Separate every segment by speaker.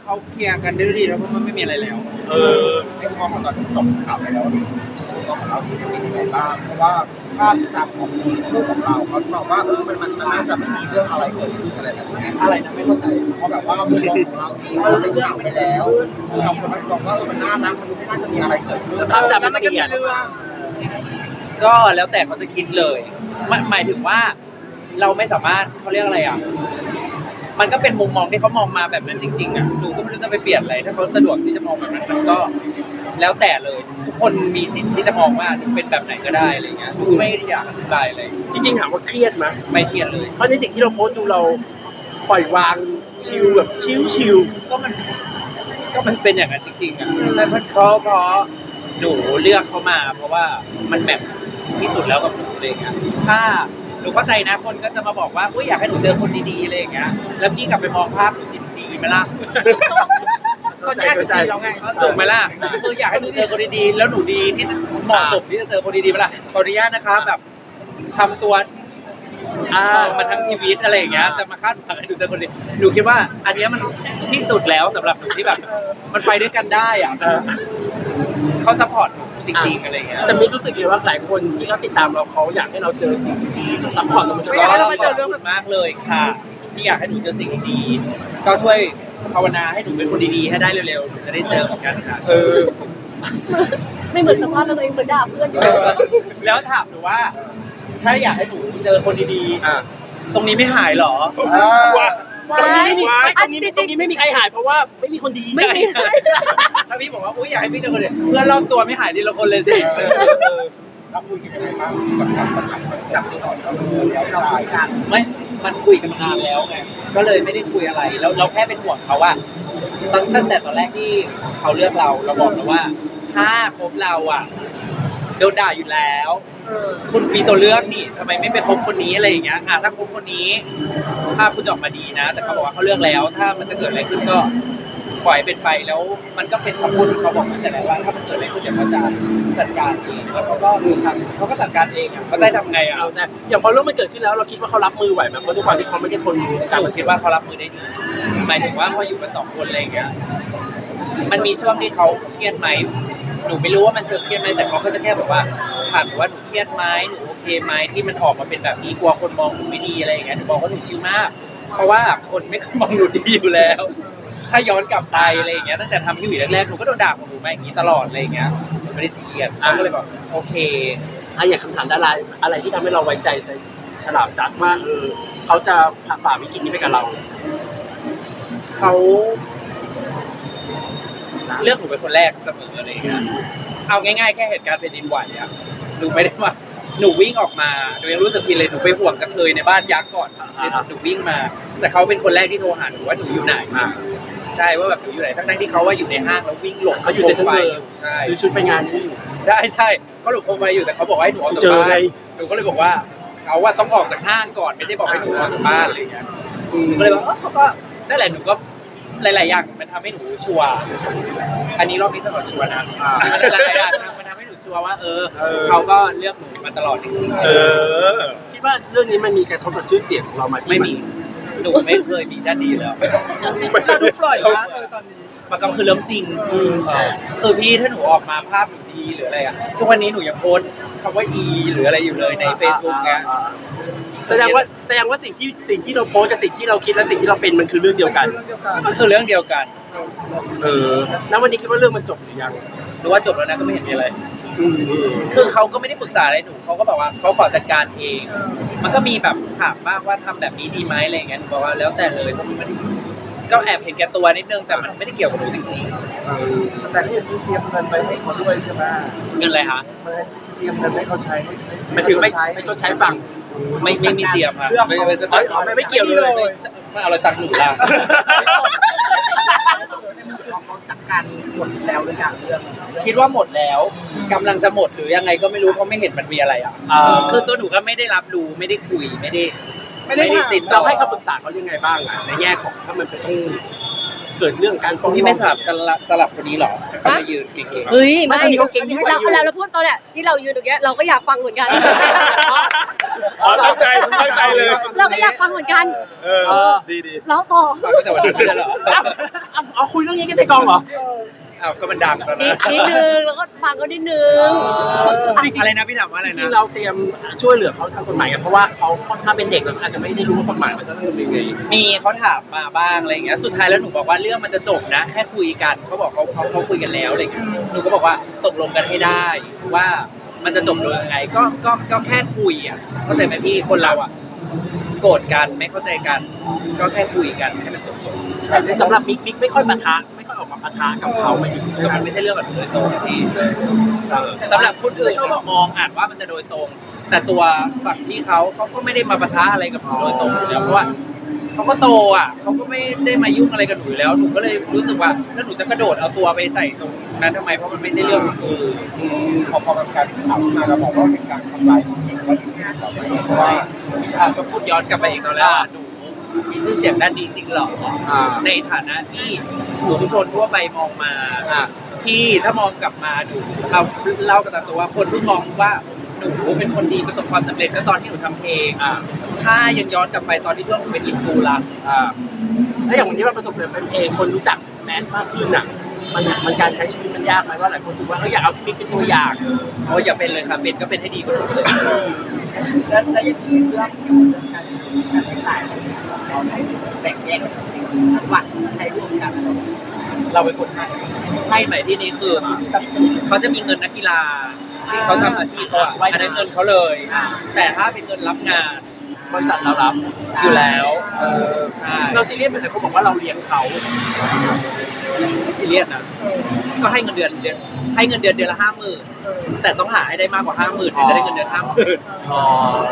Speaker 1: เขาเคลียร์กันได้ดีแล้วเพราะมันไม่มีอะไรแล้ว
Speaker 2: ในมุมมองของตอนที่จบข่าวไปแล้วตัวของเราที่เป็นยังไงบ้างเพราะว่าภาพจำของคู่ของเราเขาบอกว่ามันน่าจะไม่มีเรื่องอะไรเกิดขึ้นอะไรแบบนี้
Speaker 1: อะไรนะไม่เข้าใจ
Speaker 2: เพราะแบบว่ามุมมองของเราเองเราเป็นข่าวไปแล้วเราคนมาบอกว่ามันน่ารักมันไม่น่าจะมีอะไรเกิดขึ้น
Speaker 3: ภาพจำมันเปลี่ยน
Speaker 1: ก็แล้วแต่เขาจะคิดเลยหมายถึงว่าเราไม่สามารถเขาเรียกอะไรอ่ะมันก็เป็นมุมมองที่เขามองมาแบบนั้นจริงๆอ่ะหนูก็ไม่รู้จะไปเปลี่ยนอะไรถ้าเขาสะดวกที่จะมองแบบนั้นมันก็แล้วแต่เลยทุกคนมีสิทธิ์ที่จะมองว่าหนูเป็นแบบไหนก็ได้อะไรเงี้ยหนูไม่อยากอธิบายเลย
Speaker 3: จริงๆถามว่าเครียดไหม
Speaker 1: ไม่เครียดเลย
Speaker 3: เพราะในสิ่งที่เราโพสต์ดูเราปล่อยวางชิลแบบชิล
Speaker 1: ก็มันเป็นอย่างนั้นจริงๆอ่ะใช่เพราะหนูเลือกเขามาเพราะว่ามันแบบที่สุดแล้วกับหนูอะไรเงี้ยถ้าหนูเข้าใจนะคนก็จะมาบอกว่าอุ้ยอยากให้หนูเจอคนดีๆอะไรอย่างเงี้ยแล้วพี่กลับไปมองภาพหนูสิดีไหมล่ะ
Speaker 2: ก็แยกกันดีแล้วไง
Speaker 1: ถูกไหมล่ะคืออยากให้หนูเจอคนดีๆแล้วหนูดีที่เหมาะสมที่จะเจอคนดีๆไหมล่ะขออนุญาตนะคะแบบทำตัวมาทั้งชีวิตอะไรอย่างเงี้ยจะมาคาดหวังให้หนูเจอคนดีหนูคิดว่าอันนี้มันที่สุดแล้วสำหรับหนูที่แบบมันไปด้วยกันได้อ่ะเขาซัพพอร์ตหนูจริงๆอะไรเงี้ย
Speaker 3: แต่ไม่รู้สึกเลยว่าหลายคนที่เขาติดตามเราเขาอยากให้เราเจอสิ่งดีๆซัพพอร์ตเรามาตลอด
Speaker 1: เราเจอเรื่องมากเลยค่ะที่อยากให้หนูเจอสิ่งดีๆก็ช่วยภาวนาให้หนูเป็นคนดีๆให้ได้เร็วๆหนูจะได้เจอเหมือนกันค่ะ
Speaker 4: ไม่เหมือนสภาพเราตัวเองเหมือนด่าเพื่อน
Speaker 1: แล้วถามหนูว่าถ้าอยากให้หนูเจอคนดีๆตรงนี้ไม่หายหรอ
Speaker 3: ตรงนี้ไม่มีใครหายเพราะว่าไม่มีคนดี
Speaker 4: ไม่มี
Speaker 1: ถ้าพี่บอกว่าอุ้ยอยากให้พี่เจอคนดีเพื่อนรอบตัวไม่หายดีละคนเลยสิ
Speaker 2: เราคุยกันยังไงบ้างกับปัญหาจับที่ต่อเราแล้วเราคุยกัน
Speaker 1: ไม่มันคุยกันมานานแล้วไงก็เลยไม่ได้คุยอะไรแล้วเราแค่เป็นห่วงเขาว่าตั้งแต่ตอนแรกที่เขาเลือกเราบอกแล้วว่าถ้าคบเราอ่ะโดนด่าอยู่แล้วคุณมีตัวเลือกนี่ทำไมไม่ไปคบคนนี้อะไรอย่างเงี้ยถ้าคบคนนี้ภาพคุณจะออกมาดีนะแต่เขาบอกว่าเขาเลือกแล้วถ้ามันจะเกิดอะไรขึ้นก็ปล่อยเป็นไปแล้วมันก็เป็นคำพูดที่เขาบอกมาแต่ไหนว่าถ้ามันเกิดอะไรขึ้นเดี๋ยวเขาจะจัดการเองแล้วเขาก็เขาก็จัดการเองอ่ะเขาได้ทำไงอ่ะ
Speaker 3: แต่อย่างพอเรื่องมันเกิดขึ้นแล้วเราคิดว่าเขารับมือไหวไหมเพราะทุกวันที่เขาไม่ใช่คน
Speaker 1: การคิดว่าเขารับมือได้ดีหมายถึงว่าเขาอยู่กันสองคนอะไรอย่างเงี้ยมันมีช่วงที่เขาเครียดไหมหนูไม่รู้ว่ามันเชิงเครียดไหมแต่เขาก็จะแค่บอกว่าถามว่าหนูเครียดไหมหนูโอเคไหมที่มันออกมาเป็นแบบนี้กลัวคนมองหนูไม่ดีอะไรอย่างเงี้ยหนูบอกว่าหนูชิลมากเพราะว่าคนไม่มองหนูดีอยู่แล้วถ้าย้อนกลับไปอะไรอย่างเงี้ยตั้งแต่ทำที่อยู่แรกๆหนูก็โดนด่าของหนูมาอย่างนี้ตลอดอะไรอย่างเงี้ยไม่ได้ซีเรียสเขาก็เลยบอกโอเค
Speaker 3: อย่างคำถามดาราอะไรที่ทำให้เราไว้ใจฉลาดจัดว่าเขาจะฝ่าวิกฤตนี้ไปกับเรา
Speaker 1: เขาเลือกหนูเป็นคนแรกเสมออะไรอย่างเงี้ยเอาง่ายๆแค่เหตุการณ์แผ่นดินไหวอะหนูไม่ได้ว่าหนูวิ่งออกมาหนูยังรู้สึกผิดเลยหนูไปห่วงกระเทยในบ้านยักษ์ก่อนหนูวิ่งมาแต่เขาเป็นคนแรกที่โทรหาหนูว่าหนูอยู่ไหนใช่ว่าแบบหนูอยู่ไหนทั้งที่เขาว่าอยู่ในห้างแล้ววิ่งหลบ
Speaker 3: เขาอยู่เซ็นทรัลเวิลด์
Speaker 1: ใช่
Speaker 3: ซื้อชุดไปงานนี้อยู่
Speaker 1: ใช่เขาหลบโคมไฟอยู่แต่เขาบอกให้หนูออกจากบ้านหนูก็เลยบอกว่าเขาว่าต้องออกจากห้างก่อนไม่ใช่บอกให้หนูออกจากบ้านอะไรอย่างเงี้ยก็เลยบอกเขาก็นั่นแหละหนูก็หลายๆอย่างมันทำให้หนูชัวร์อันนี้รอบนี้สำหรับชัวร์นะหลายๆอย่างมันทำให้หนูชัวร์ว่าเขาก็เลือกหนูมาตลอดจริง
Speaker 3: ๆคิดว่าเรื่องนี้มันมีกระทบกับชื่อเสียงของเรามา
Speaker 1: ไม่มีหนูไม่เคยมีด้านดีแล้ว
Speaker 2: เราดูปล่อยนะตอนนี้
Speaker 1: มันก็คือเรื่องจริงคือพี่ถ้าหนูออกมาภาพหนูดีหรืออะไรทุกวันนี้หนูยังโพสคำว่าอีหรืออะไรอยู่เลยใน Facebook ไง
Speaker 3: แสดงว่าสิ่งที่เราโพสกับสิ่งที่เราคิดและสิ่งที่เราเป็นมันคือเรื่องเดียวกัน
Speaker 1: มันคือเรื่องเดียวกัน
Speaker 3: แล้ววันนี้คิดว่าเรื่องมันจบหรือยัง
Speaker 1: หรือว่าจบแล้วนะก็ไม่เห็นมีอะไรคือเขาก็ไม่ได้ปรึกษาอะไรหนูเขาก็บอกว่าเขาขอจัดการเองมันก็มีแบบถามบ้างว่าทำแบบนี้ดีไหมอะไรอย่างเงี้ยหนูบอกว่าแล้วแต่เลยเพราะมันก็แอบเห็นแก่ตัวนิดนึงแต่มันไม่ได้เกี่ยวกับหนูจริง
Speaker 2: ๆแต่ที่มีเตรียมเงินไปให้เขาด้วยใช่ไหม
Speaker 1: เงินอะไรคะ
Speaker 2: เตรียมเงินให้เขาใช้
Speaker 3: ไม่ถึงไม่ต้องใช้ฝั่ง
Speaker 1: ไม่มีเตรียมค่ะ
Speaker 3: ไม่เกี่ยวเลย
Speaker 1: ไม่เอาอะไรตังค์หนูละ
Speaker 2: จัดการหมดแล้วหรือยังเรื่อง
Speaker 1: คิดว่าหมดแล้วกำลังจะหมดหรือยังไงก็ไม่รู้เพราะไม่เห็นมันมีอะไรคือตัวหนูก็ไม่ได้รับรู้ไม่ได้คุยไม่ได้ติด
Speaker 3: เราให้คำปรึกษาเขายังไงบ้างในแง่ของถ้ามันเป็นต้องเกิดเรื่องการฟ้อง
Speaker 1: ที่ไม่สลับคนนี้หรอเขาจะยืนเก่งๆ
Speaker 4: เฮ้ยไม่เราพูดตอนเนี้ยที่เรายืนตรงเนี้ยเราก็อยากฟังเหมือนกัน
Speaker 5: อ๋อตั้งใจเลย
Speaker 4: เราก็อยากฟังเหมือนกัน
Speaker 5: เออดี
Speaker 4: แล้วต่อ
Speaker 1: ฟังตั้งแต่วันนี้เลยเหรอ
Speaker 3: เอาคุยเรื่องนี้กันในกองเหรอ
Speaker 1: อ้าวก็มันดังแล้ว
Speaker 4: นิ
Speaker 1: นะ
Speaker 4: ดนึงแล้วก็ฟังก็นิดนึง
Speaker 1: อะไรนะพี่ถามว่าอะไร
Speaker 3: จริ
Speaker 1: นะ
Speaker 3: งๆเราเตรียมช่วยเหลือเขาทางกฎหมายกันเพราะว่าเขาค่อนข้างเป็นเด็กแล้วอาจจะไม่ได้รู้ว่ากฎหมายมันจะต้องเป็นยังไง
Speaker 1: มีเขาถามมาบ้างอะไรอย่างเงี้ยสุดท้ายแล้วหนูบอกว่าเรื่องมันจะจบนะแค่คุยกันเขาบอกเขาคุยกันแล้วอะไรอย่างเงี้ยหนูก็บอกว่าตกลงกันให้ได้ว่ามันจะจบลงยังไงก็แค่คุยอ่ะเข้าใจไหมพี่คนเราอ่ะโกรธกันไม่เข้าใจกัน ก็แค่คุยกันให้มันจบ
Speaker 3: แต่สำหรับมิกไม่ค่อยปะทะไม่ค่อยออกมาปะทะกับเขาไม่ถึง
Speaker 1: ก็มันไม่ใช่เรื่องกับหนูโดยตรงพี่สำหรับคนอื่นเขามองอาจว่ามันจะโดยตรง แต่ตัวฝั่งที่เขาก็ไม่ได้มาปะทะอะไรกับหนูโดยตรงอยู่แล้วเพราะว่าเขาก็โตอ่ะเขาก็ไม่ได้มายุ่งอะไรกับหนูอยู่แล้วหนูก็เลยรู้สึกว่าแล้วหนูจะกระโดดเอาตัวไปใส่ตรงนั้นทำไมเพราะมันไม่ใช่เรื่องของหนู
Speaker 2: พอมันกลายเป็นข่าวขึ้นมาเราบอกว่าเป็นการทำลายผู้หญิงว่าจริงๆเราไม่เพราะว่า
Speaker 1: ก็พูดย้อนกลับไปอีกตอนแรกว่าหนูมีชื่อเสียงด้านดีจริงเหรอในฐานะที่หนูทุกคนทั่วไปมองมาที่ถ้ามองกลับมาหนูเอาเล่ากันตามตัวว่าคนที่มองว่าหนูเป็นคนดีประสบความสำเร็จก็ตอนที่หนูทำเพลงถ้ายังย้อนกลับไปตอนที่ช่วงหนูเป็นอินฟูละ
Speaker 3: แล้วอย่างวันนี้เราประสบความสำเร็จเป็นเพลงคนรู้จักแมสมากขึ้นอ่ะมันการใช้ชีวิตมันยากไหมว่าหลายคนรู้สึกว่าอยากเอามิกเป็นตัวอย่าง
Speaker 1: โอ้ยอย่าเป็นเลยค่ะเป็นก็เป็นให้ดีกว่าหนูเลย
Speaker 6: แล้วยังมีเรื่องเกี่ยวกับการใช้จ่ายเราแบ่งแยกหวังใช้ร่วมกัน
Speaker 1: เราเป็นคนให้ใหม่ที่นี้คือเขาจะมีเงินนักกีฬาที่เขาทำอาชีพเขาอะอันนั้นเงินเขาเลย แต่ถ้าเป็นเงินรับงาน
Speaker 3: บริษัทเรารับ
Speaker 1: อยู่แล้วใช่
Speaker 3: เราซีเรียสเหมือนเขาบอกว่าเราเลี้ยงเขา
Speaker 1: ไม่ซีเรียสนะก็ให้เงินเดือนให้เงินเดือนเดือนละ50,000แต่ต้องหาให้ได้มากกว่า50,000ถึงจะได้เงินเดือน50,000
Speaker 3: อ๋อ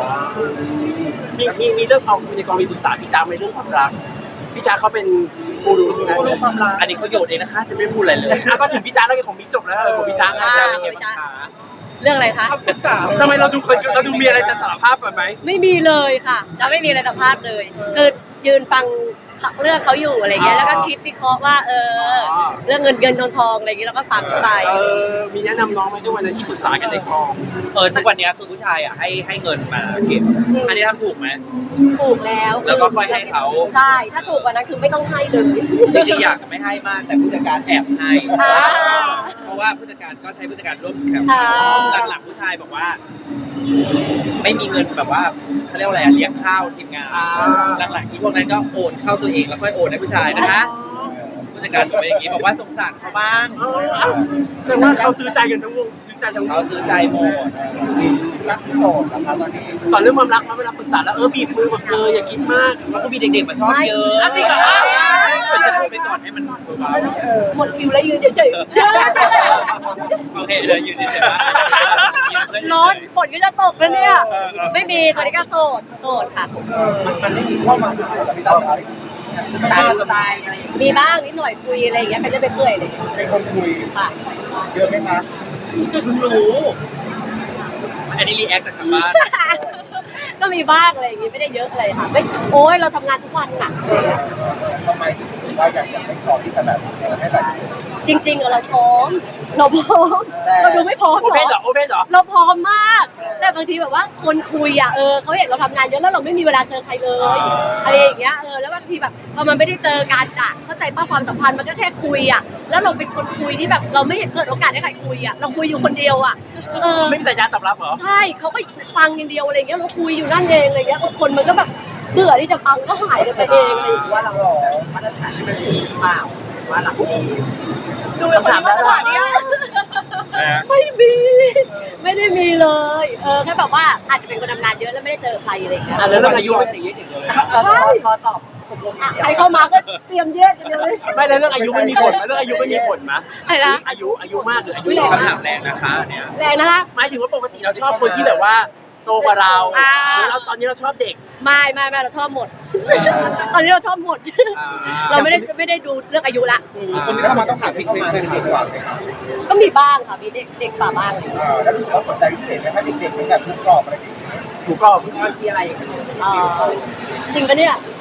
Speaker 3: มีเรื่องของในกองมีปรึกษาพี่จ้าในเรื่องความรักพี่จ้าเขาเป็นกูรูนะ
Speaker 6: กูรู้ความรัก
Speaker 1: อันนี้เขาโยนเองนะคะฉันไม่ได้พูดอะไรเลย
Speaker 3: ก็ถึงพี่จ้าแล้วของมิกจบแล้วของพี่จ้า
Speaker 1: จะเป็นไงบ้างคะ
Speaker 4: เรื่องอะไรคะ
Speaker 6: ปรึกษา
Speaker 3: ทำไมเราดูมีอะไรจะสารภาพก่อนไหม
Speaker 4: ไม่มีเลยค่ะจะไม่มีอะไรสัมภาษณ์เลยคือยืนฟังเรื่องเขาอยู่อะไรเงี้ยแล้วก็คิดวิเคราะห์ว่าเรื่องเงินทองอะไรเงี้ยแล้วก็ฟังไป
Speaker 3: มีแนะนำน้องไหมทุกวันนั้นที่ปรึกษากันในกอง
Speaker 1: ทุกวันนี้คือผู้ชายอ่ะให้เงินมาเก็บอันนี้ทำถูกไหม
Speaker 4: ถูกแล้ว
Speaker 1: แล้วก็ค่อยให้เขา
Speaker 4: ใช่ถ้าถูกกว่านั้นคือไม่ต้องให้เลย
Speaker 1: จริงๆอยากจะไม่ให้มากแต่ผู้จัดการแอบให้
Speaker 4: อ่า
Speaker 1: เพราะว่าผู้จัดการก็ใช้ผู้จัดการร่วมแคม
Speaker 4: อ่า
Speaker 1: หลังๆผู้ชายบอกว่า ไม่มีเงินแบบว่าเขาเรียกว่าอะไรอะเลี้ยงข้าวทีมงานหลังๆที่พวกนั้นก็โอนเข้าตัวเองแล้วค่อยโอนให้ผู้ชายนะคะผู้จัดการบอกไปอย่างนี้บอกว่าสงสารเขาบ้าง
Speaker 3: แสดงว่าเขาซื้อใจกันทั้งวงซื้อใจทั้งว
Speaker 1: เขา
Speaker 3: ง
Speaker 1: ซื้อใจหมด
Speaker 2: รักโสดนะคะตอนนี้
Speaker 3: สอนเรื่องความรักมาเวลาปรึกษาแล้วบีบมือแบบอย่าคิดมาก
Speaker 1: แล้วก็มีเด็กๆมาชอบเยอะ
Speaker 3: จริงเหรอ
Speaker 1: เป็นจะพูดไปก่อนให้มันเบา
Speaker 4: หมดคิวแล้วยืนเฉย
Speaker 1: ๆโอเคเลยอยู่ในเฉยๆ
Speaker 4: ๆร้อนฝนก็จะตกแล้วเนี่ย ไม่มีตอนนี้ก็โสดค่ะ
Speaker 2: มันไม่มีเข้ามาหาเราพี่ตั้มอะไร
Speaker 6: ตายตายอะไร
Speaker 4: มีบ้างนิดหน่อยคุยอะไรอย่างเงี้ยเป็นเรื่องเป็นเปื่อยเลย
Speaker 2: เป็นคนคุย
Speaker 4: ค่ะ
Speaker 2: เยอะไหมคะ
Speaker 1: เพิ่งรู้อันนี้รีแอคจากทางบ้าน
Speaker 4: ก็มีบ้างอะไรอย่างงี้ไม่ได้เยอะอะไรค่ะไม่โอ้ยเราทำงานทุกวันน่ะ
Speaker 2: ทำไมถึงรู้สึกว่าอยากไม่พร้อมที่จะแบบให้แบบ
Speaker 4: จริงๆอะเราพร้อมเราดูไม่พร้อม
Speaker 3: โอ
Speaker 4: หร
Speaker 3: เพนเหร
Speaker 4: อ
Speaker 3: อโอเพนเหรอ
Speaker 4: เราพร้อมมาก แต่บางทีแบบว่าคนคุยอะเขาเห็นเราทำงานเยอะแล้วเราไม่มีเวลาเจอใครเลยอะไรอย่างเงี้ยแล้วบางทีแบบพอมันไม่ได้เจอกันอะเข้าใจป้าความสัมพันธ์มันก็แค่คุยอะแล้วเราเป็นคนคุยที่แบบเราไม่เห็นเปิดโอกาสให้ใครคุยอะเราคุยอยู่คนเดียวอะ
Speaker 3: ไม่มีสัญญาณตอบรับเหรอ
Speaker 4: ใช่เขาก็ฟังอย่างเดียวอะไรเงี้ยเราคุยอยู่นั่นเองอะไรเงี้ยคนมันก็แบบเบื่อที่จะฟังก็หายกันไปเองอะไรอย่างเงี้ย
Speaker 6: ว่าเรามาตรฐานที่เป็นสูงหรือเปล่าว่าหลักดี
Speaker 4: ดูแล้วคนมาตรฐานเนี่ยไม่มีไม่ได้มีเลยแค่แบบว่าอาจจะเป็นคนทำงานเยอะแล้วไม่ได้เจอใครอะไรอย่างเงี้ย
Speaker 3: แล้วเรื่องอายุ
Speaker 1: ไม่ใช่เยอะจริงเลย
Speaker 6: พอตอบตกลง
Speaker 4: ใครเข้ามาก็เตรียมแยกกันเดียวเลย
Speaker 3: ไม่แล้วเรื่องอายุไม่มีผลเรื่องอายุไม่มีผลมั้ย
Speaker 4: อะไรนะ
Speaker 3: อายุมากหรืออายุ
Speaker 1: คำถามแรงนะคะเนี่ย
Speaker 4: แรงนะคะ
Speaker 3: หมายถึงว่าปกติเราชอบคนที่แบบว่าโตกว่าเราแล้วตอนนี้เราชอบเด็ก
Speaker 4: ไม่เราชอบหมด ตอนนี้เราชอบหมด เราไม่ได้ดูเรื่องอายุละ
Speaker 2: คนที่เข้ามาต้องผ่านที่เข้ามาเป็นเด็กกว่าไหมคะ
Speaker 4: ก็มีบ้างค่ะมีเด็กฝ่าบ้าง
Speaker 2: แล้วรู้สึกว่าสนใจพิเศษไหมคะเด็กๆเป็นแบบทุกกรอบอะไรอย่างเงี้ย
Speaker 3: ถูกก็
Speaker 6: ที่อะไร
Speaker 4: จริงปะเนี่ย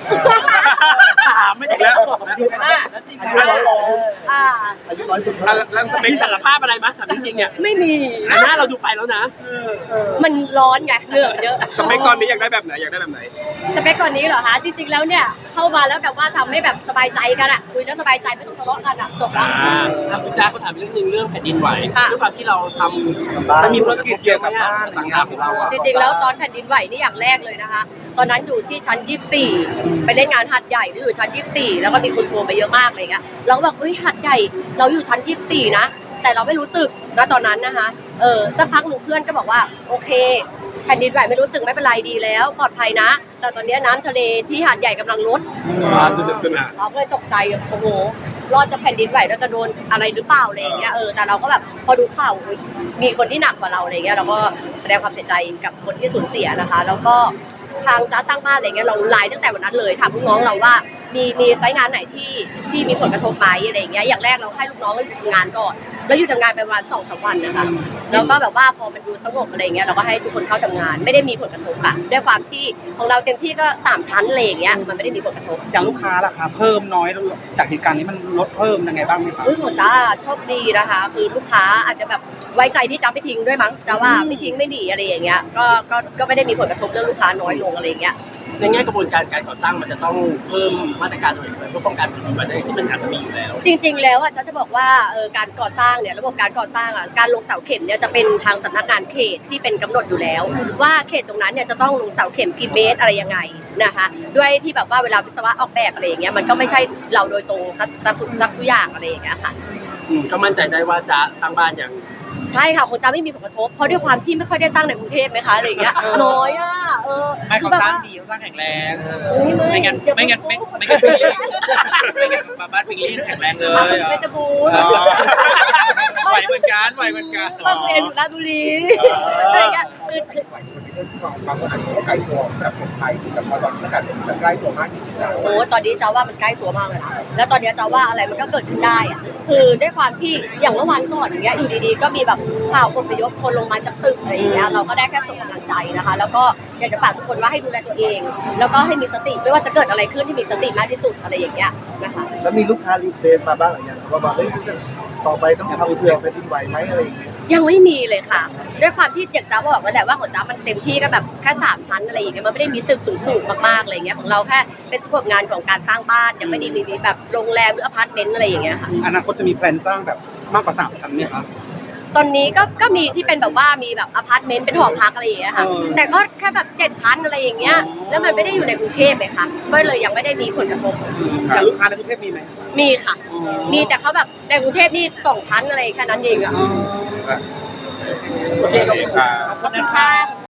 Speaker 3: ถามไม่ได้แล้ว
Speaker 6: แล้วจริงๆแล้ว
Speaker 4: อ่า
Speaker 2: อายุน้อยสุด
Speaker 3: แล้วสเปคสารภาพอะไรมั้ยถามจริงๆเนี่ย
Speaker 4: ไม่มี
Speaker 3: แต่หน้าเราดูไปแล้วนะ
Speaker 4: มันร้อนไงเหนื่อยเยอะ
Speaker 5: สเปคตอนนี้อยากได้แบบไหนอยากได้แบบไหน
Speaker 4: สเปคก่อนนี้เหรอคะจริงๆแล้วเนี่ยเข้ามาแล้วแบบว่าทำให้แบบสบายใจกันอะคุยแล้วสบายใจไม่ต้องทะเลาะกันอะจบแล้ว
Speaker 3: คุณจ้าเขาถามเรื่องนึงเรื่องแผ่นดินไหว
Speaker 4: ค่ะ
Speaker 3: ด้วยความที่เราทำมันมีธุรกิจเกี่ยวกับสังหารของเราอะ
Speaker 4: จริงๆแล้วตอนแผ่นดินไหวนี่อย่างแรกเลยนะคะ ตอนนั้นอยู่ที่ชั้น 24 ไปเล่นงานหัดใหญ่ที่อยู่ชั้น 24 แล้วก็มีคนโทรมาเยอะมากอะไรเงี้ยเราก็แบบเฮ้ยหัดใหญ่เราอยู่ชั้น 24 นะแต่เราไม่รู้สึกนะตอนนั้นนะคะสักพักหนึ่งเพื่อนก็บอกว่าโอเคแผ่นดินไหวไม่รู้สึกไม่เป็นไรดีแล้วปลอดภัยนะ แต่ตอนนี้น้ำทะเลที่หาดใหญ่กำลังลด
Speaker 5: สนุกสนาน
Speaker 4: เราก็เลยตกใจโอ้โหรอดจากแผ่นดินไหวเราจะโดนอะไรหรือเปล่าอะไรอย่างเงี้ยแต่เราก็แบบพอดูข่าวอุ๊ยมีคนที่หนักกว่าเราอะไรเงี้ยเราก็แสดงความเสียใจกับคนที่สูญเสียนะคะ แล้วก็ทางจ้าสร้างบ้านอะไรเงี้ยเราไลน์ตั้งแต่วันนั้นเลยถามลูกน้องเราว่ามีไซต์งานไหนที่มีผลกระทบไหมอะไรอย่างเงี้ยอย่างแรกเราให้ลูกน้องเราหยุดทำงานก่อนแล้วหยุดทำงานไปประมาณ2-3 วันนะคะแล้วก็แบบว่าพอมันดูสงบอะไรเงี้ยเราก็ให้ทุกคนเข้าทำงานไม่ได้มีผลกระทบค่ะด้วยความที่ของเราเต็มที่ก็3 ชั้นอะไรอย่างเงี้ยมันไม่ได้มีผลกระทบ
Speaker 7: อย่างลูกค้าล่ะคะเพิ่มน้อยจากเหตุการณ์นี้มันลดเพิ่มยังไงบ้างไหมคะ
Speaker 4: โหจ้าโชคดีนะคะ คือลูกค้าอาจจะแบบไว้ใจที่จะไม่ทิ้งด้วยมั้งจะว่าไม่ทิ้งไม่หนีอะไรอย่างเงี้ยก็ไม่ได้มีผลกระทบเรื่องลูกค้าน้อยลงอะไรอย่างเงี้ย
Speaker 3: ในแง่กระบวนการการก่อสร้างมันจะต้องเพิ่มมาตรการอะไรเพื่อป้องกันแผ่นดินไหวที่มันอาจจะมีอยู่แล้ว
Speaker 4: จริงๆแล้วอ่ะจะบอกว่าการก่อสร้างเนี่ยระบบการก่อสร้างอ่ะการลงเสาเข็มเนี่ยจะเป็นทางสำนักงานเขตที่เป็นกำหนดอยู่แล้ว ว่าเขตตรงนั้นเนี่ยจะต้องลงเสาเข็มกี่เมตรอะไรยังไงนะคะด้วยที่แบบว่าเวลาวิศวะออกแบบอะไรอย่างเงี้ยมันก็ไม่ใช่เราโดยตรงสักทุกอย่างอะไรอย่างเงี้ยค่ะ
Speaker 3: ก็มั่นใจได้ว่าจะสร้างบ้านอย่าง
Speaker 4: ใช่ค่ะคงจะไม่มีผลกระทบเพราะด้วยความที่ไม่ค่อยได้สร้างในกรุงเทพไหมคะอะไรอย่างเงี้ยน้อยอ่ะ
Speaker 1: ไม่เขาสร้างดีเขาสร้างแข็งแรงไม่งั้นพิงลี่บ้านพิงลี่แข็งแรงเลย
Speaker 4: เป็นตะบูน
Speaker 1: ไหวเหมือนกันไหวเหมือนกัน
Speaker 4: บางเรียนอยู่ราชบุรีอะไรเงี้ยคือ
Speaker 2: ไหวคนที่เรื่องที่บางคนอาจจะไกลตัวสำหรับคนไทยแต่พอตอนนี้มันใกล้ตัวมากจริงๆแล้ว
Speaker 4: โอ้ตอนนี้จะว่ามันใกล้ตัวมากเลยนะแล้วตอนนี้จะว่าอะไรมันก็เกิดขึ้นได้อะคือด้วยความที่อย่างเมื่อวันก่อนอย่างเงี้ยอยู่ดีๆก็มีแบบข่าวอพยพคนลงมาจากตึกอะไรอย่างเงี้ยเราก็ได้แค่ส่งกำลังใจนะคะ แล้วก็อยากจะฝากทุกคนว่าให้ดูแลตัวเอง แล้วก็ให้มีสติไม่ว่าจะเกิดอะไรขึ้นที่มีสติมากที่สุดอะไรอย่างเงี้ยนะคะ
Speaker 2: แล้วมีลูกค้ารีเควสมาบ้างหรือยังว่าเฮ้ยต่อไปต้องทำเผื่อแผ่นดินไหวไหมอะไรอย่างเงี้ย
Speaker 4: ยังไม่มีเลยค่ะ ด้วยความที่อย่างจ้าบอกแล้วแหละว่าของจ้ามันเต็มที่ก็แบบแค่3 ชั้นอะไรอย่างเงี้ยมันไม่ได้มีตึกสูงๆมากๆอะไรอย่างเงี้ยของเราแค่เป็นสโคปงานของการสร้างบ้านยังไม่ได้มีแบบโรงแรมหรืออพาร์ตเมนต์อะไรอย่างเงี้ยค่ะ
Speaker 7: อนาคตจะมีแพลนสร้างแบบมากกว่า3 ชั้นไหมคะ
Speaker 4: ตอนนี้ก็มีที่เป็นแบบว่ามีแบบอพาร์ตเมนต์เป็นหอพักอะไรอย่างเงี้ยค่ะ แต่ก็แค่แบบ7 ชั้นอะไรอย่างเงี้ยแล้วมันไม่ได้อยู่ในกรุงเทพเลยค่ะก็เลยยังไม่ได้มีผลกระทบ
Speaker 7: แต่ลูกค้าในกรุงเทพมีไหม
Speaker 4: มีค่ะ มีแต่เขาแบบในกรุงเทพนี่2 ชั้นอะไรแค่นั้นเองอะ
Speaker 3: โอเคขอบคุณ
Speaker 4: ขอบคุณค่ะ